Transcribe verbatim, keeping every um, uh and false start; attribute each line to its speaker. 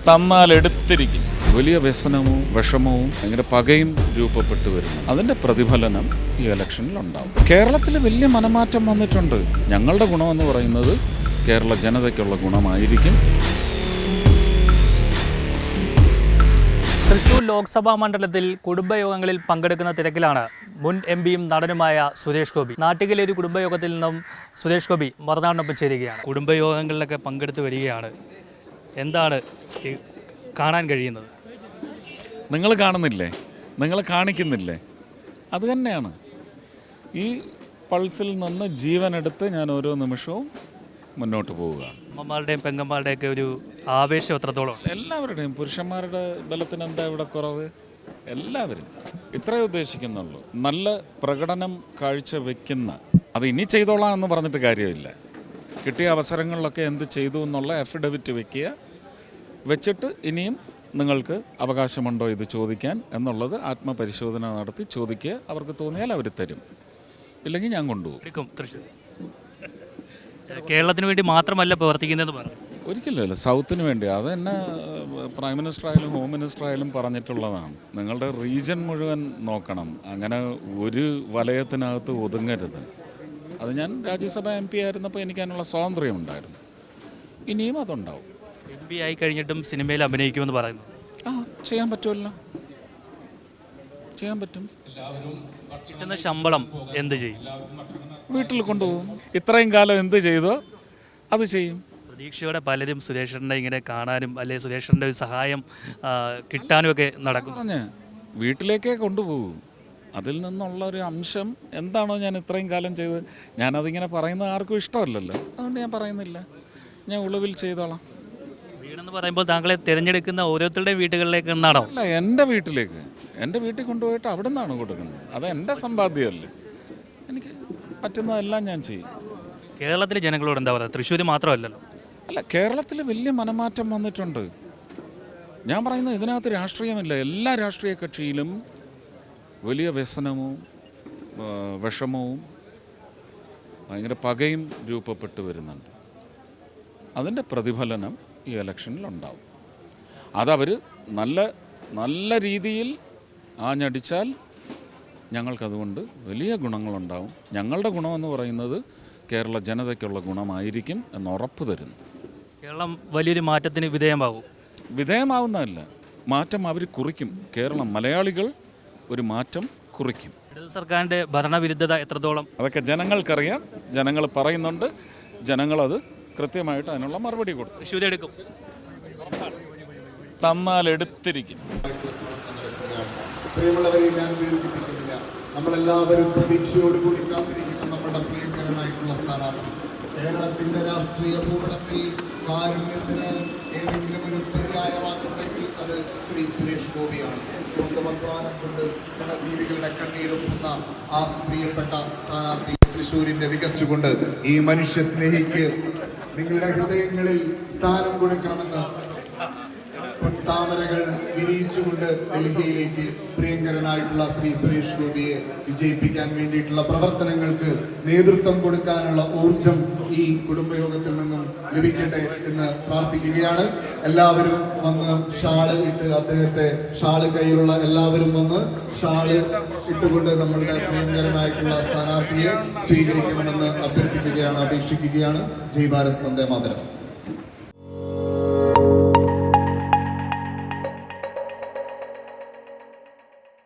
Speaker 1: തന്നാൽ എടുത്തിരിക്കും. വലിയ വ്യസനവും വിഷമവും ഭയങ്കര പകയും രൂപപ്പെട്ടു വരുന്നു. അതിൻ്റെ പ്രതിഫലനം ഈ ഇലക്ഷനിലുണ്ടാവും. കേരളത്തിൽ വലിയ മനമാറ്റം വന്നിട്ടുണ്ട്. ഞങ്ങളുടെ ഗുണമെന്ന് പറയുന്നത് കേരള ജനതയ്ക്കുള്ള ഗുണമായിരിക്കും.
Speaker 2: തൃശൂർ ലോക്സഭാ മണ്ഡലത്തിൽ കുടുംബയോഗങ്ങളിൽ പങ്കെടുക്കുന്ന തിരക്കിലാണ് മുൻ എം പിയും നടനുമായ സുരേഷ് ഗോപി. നാട്ടിലെ ഒരു കുടുംബയോഗത്തിൽ നിന്നും സുരേഷ് ഗോപി മറുനാടിനൊപ്പം ചേരുകയാണ്. കുടുംബയോഗങ്ങളിലൊക്കെ പങ്കെടുത്ത് വരികയാണ്. എന്താണ് കാണാൻ കഴിയുന്നത്?
Speaker 1: നിങ്ങൾ കാണുന്നില്ലേ? നിങ്ങൾ കാണിക്കുന്നില്ലേ? അത് തന്നെയാണ്. ഈ പൾസിൽ നിന്ന് ജീവനെടുത്ത് ഞാൻ ഓരോ നിമിഷവും മുന്നോട്ട് പോവുക.
Speaker 2: അമ്മമാരുടെയും പെങ്ങന്മാരുടെയൊക്കെ ഒരു ആവേശം എത്രത്തോളം?
Speaker 1: എല്ലാവരുടെയും. പുരുഷന്മാരുടെ ബലത്തിന് എന്താ ഇവിടെ കുറവ്? എല്ലാവരും ഇത്രയേ ഉദ്ദേശിക്കുന്നുള്ളൂ. നല്ല പ്രകടനം കാഴ്ചവെക്കുന്ന, അത് ഇനി ചെയ്തോളാം എന്ന് പറഞ്ഞിട്ട് കാര്യമില്ല. കിട്ടിയ അവസരങ്ങളിലൊക്കെ എന്ത് ചെയ്തു എന്നുള്ള അഫിഡവിറ്റ് വെക്കുക. വെച്ചിട്ട് ഇനിയും നിങ്ങൾക്ക് അവകാശമുണ്ടോ ഇത് ചോദിക്കാൻ എന്നുള്ളത് ആത്മപരിശോധന നടത്തി ചോദിക്കുക. അവർക്ക് തോന്നിയാൽ അവർ തരും, ഇല്ലെങ്കിൽ ഞാൻ കൊണ്ടുപോകും.
Speaker 2: തൃശ്ശൂർ കേരളത്തിന് വേണ്ടി മാത്രമല്ല പ്രവർത്തിക്കുന്നതെന്ന് പറഞ്ഞു.
Speaker 1: ഒരിക്കലല്ല, സൗത്തിന് വേണ്ടി. അത് തന്നെ പ്രൈം മിനിസ്റ്റർ ആയാലും ഹോം മിനിസ്റ്റർ ആയാലും പറഞ്ഞിട്ടുള്ളതാണ്. നിങ്ങളുടെ റീജിയൻ മുഴുവൻ നോക്കണം. അങ്ങനെ ഒരു വലയത്തിനകത്ത് ഒതുങ്ങരുത്. അത് ഞാൻ രാജ്യസഭ എം പി ആയിരുന്നപ്പോൾ എനിക്ക് അതിനുള്ള സ്വാതന്ത്ര്യമുണ്ടായിരുന്നു. ഇനിയും അതുണ്ടാവും.
Speaker 2: എം പി ആയി കഴിഞ്ഞിട്ടും സിനിമയിൽ അഭിനയിക്കുമെന്ന് പറയുന്നു.
Speaker 1: ആ, ചെയ്യാൻ പറ്റുമല്ലോ, ചെയ്യാൻ പറ്റും.
Speaker 2: കിട്ടുന്ന ശമ്പളം എന്ത് ചെയ്യും?
Speaker 1: വീട്ടിൽ കൊണ്ടുപോകും. ഇത്രയും കാലം എന്ത് ചെയ്തോ അത് ചെയ്യും.
Speaker 2: പ്രതീക്ഷയോടെ പലരും സുരേഷറിനെ ഇങ്ങനെ കാണാനും അല്ലെ സുരേഷറിൻ്റെ ഒരു സഹായം കിട്ടാനും ഒക്കെ നടക്കും. പറഞ്ഞ്
Speaker 1: വീട്ടിലേക്കേ കൊണ്ടുപോകും. അതിൽ നിന്നുള്ള ഒരു അംശം എന്താണോ ഞാൻ ഇത്രയും കാലം ചെയ്തത്, ഞാനതിങ്ങനെ പറയുന്നത് ആർക്കും ഇഷ്ടമല്ലല്ലോ. അതുകൊണ്ട് ഞാൻ പറയുന്നില്ല. ഞാൻ ഉളവിൽ ചെയ്തോളാം.
Speaker 2: വീടെന്ന് പറയുമ്പോൾ താങ്കളെ തിരഞ്ഞെടുക്കുന്ന ഓരോരുത്തരുടെയും വീടുകളിലേക്ക് എന്നാണോ?
Speaker 1: അല്ല, എൻ്റെ വീട്ടിലേക്ക്. എൻ്റെ വീട്ടിൽ കൊണ്ടുപോയിട്ട് അവിടെ നിന്നാണ് കൊടുക്കുന്നത്. അത് എൻ്റെ സമ്പാദ്യമല്ലേ. എനിക്ക് പറ്റുന്നതെല്ലാം ഞാൻ ചെയ്യും.
Speaker 2: കേരളത്തിലെ ജനങ്ങളോട് എന്താ പറയുക? തൃശ്ശൂർ മാത്രമല്ലല്ലോ.
Speaker 1: അല്ല, കേരളത്തിൽ വലിയ മനമാറ്റം വന്നിട്ടുണ്ട്. ഞാൻ പറയുന്നത് ഇതിനകത്ത് രാഷ്ട്രീയമില്ല. എല്ലാ രാഷ്ട്രീയ കക്ഷിയിലും വലിയ വ്യസനവും വിഷമവും ഭയങ്കര പകയും രൂപപ്പെട്ടു വരുന്നുണ്ട്. അതിൻ്റെ പ്രതിഫലനം ഈ ഇലക്ഷനിലുണ്ടാവും. അതവർ നല്ല നല്ല രീതിയിൽ ആഞ്ഞടിച്ചാൽ ഞങ്ങൾക്കതുകൊണ്ട് വലിയ ഗുണങ്ങളുണ്ടാവും. ഞങ്ങളുടെ ഗുണമെന്ന് പറയുന്നത് കേരള ജനതയ്ക്കുള്ള ഗുണമായിരിക്കും എന്ന് ഉറപ്പ് തരുന്നു.
Speaker 2: കേരളം വലിയൊരു മാറ്റത്തിന് വിധേയമാകും.
Speaker 1: വിധേയമാവുന്നതല്ല, മാറ്റം അവർ കുറിക്കും. കേരളം, മലയാളികൾ ഒരു മാറ്റം കുറിക്കും.
Speaker 2: ഇടത് സർക്കാരിൻ്റെ ഭരണവിരുദ്ധത എത്രത്തോളം?
Speaker 1: അതൊക്കെ ജനങ്ങൾക്കറിയാം. ജനങ്ങൾ പറയുന്നുണ്ട്. ജനങ്ങളത് കൃത്യമായിട്ട് അതിനുള്ള മറുപടി കൊടുക്കും.
Speaker 2: തൃശ്ശൂർ എടുക്കും.
Speaker 1: തന്നാൽ എടുത്തിരിക്കും.
Speaker 3: പ്രിയമുള്ളവരെ, ഞാൻ ദീർഘിപ്പിക്കുന്നില്ല. നമ്മളെല്ലാവരും പ്രതീക്ഷയോടുകൂടി കാത്തിരിക്കുന്ന നമ്മുടെ പ്രിയങ്കരനായിട്ടുള്ള സ്ഥാനാർത്ഥി. കേരളത്തിന്റെ രാഷ്ട്രീയ ഭൂപടത്തിൽ കാരുണ്യത്തിന് ഏതെങ്കിലും ഒരു പര്യായ വാക്കുണ്ടെങ്കിൽ അത് ശ്രീ സുരേഷ് ഗോപിയാണ്. സ്വന്തം അധ്വാനം കൊണ്ട് സഹജീവികളുടെ കണ്ണീരൊപ്പുന്ന ആ പ്രിയപ്പെട്ട സ്ഥാനാർത്ഥി തൃശ്ശൂരിന്റെ വികസിച്ചുകൊണ്ട് ഈ മനുഷ്യ സ്നേഹിക്ക് നിങ്ങളുടെ ഹൃദയങ്ങളിൽ സ്ഥാനം കൊടുക്കണമെന്ന് താമരകൾ വിരിയിച്ചുകൊണ്ട് ഡൽഹിയിലേക്ക് പ്രിയങ്കരനായിട്ടുള്ള ശ്രീ സുരേഷ് ഗോപിയെ വിജയിപ്പിക്കാൻ വേണ്ടിയിട്ടുള്ള പ്രവർത്തനങ്ങൾക്ക് നേതൃത്വം കൊടുക്കാനുള്ള ഊർജം ഈ കുടുംബയോഗത്തിൽ നിന്നും ലഭിക്കട്ടെ എന്ന് പ്രാർത്ഥിക്കുകയാണ്. എല്ലാവരും വന്ന് ഷാള് ഇട്ട് അദ്ദേഹത്തെ, ഷാള് കയ്യിലുള്ള എല്ലാവരും വന്ന് ഷാള് ഇട്ടുകൊണ്ട് നമ്മളുടെ പ്രിയങ്കരനായിട്ടുള്ള സ്ഥാനാർത്ഥിയെ സ്വീകരിക്കണമെന്ന് അഭ്യർത്ഥിക്കുകയാണ്, അപേക്ഷിക്കുകയാണ്. ജയ് ഭാരത്, വന്ദേ മാതരം.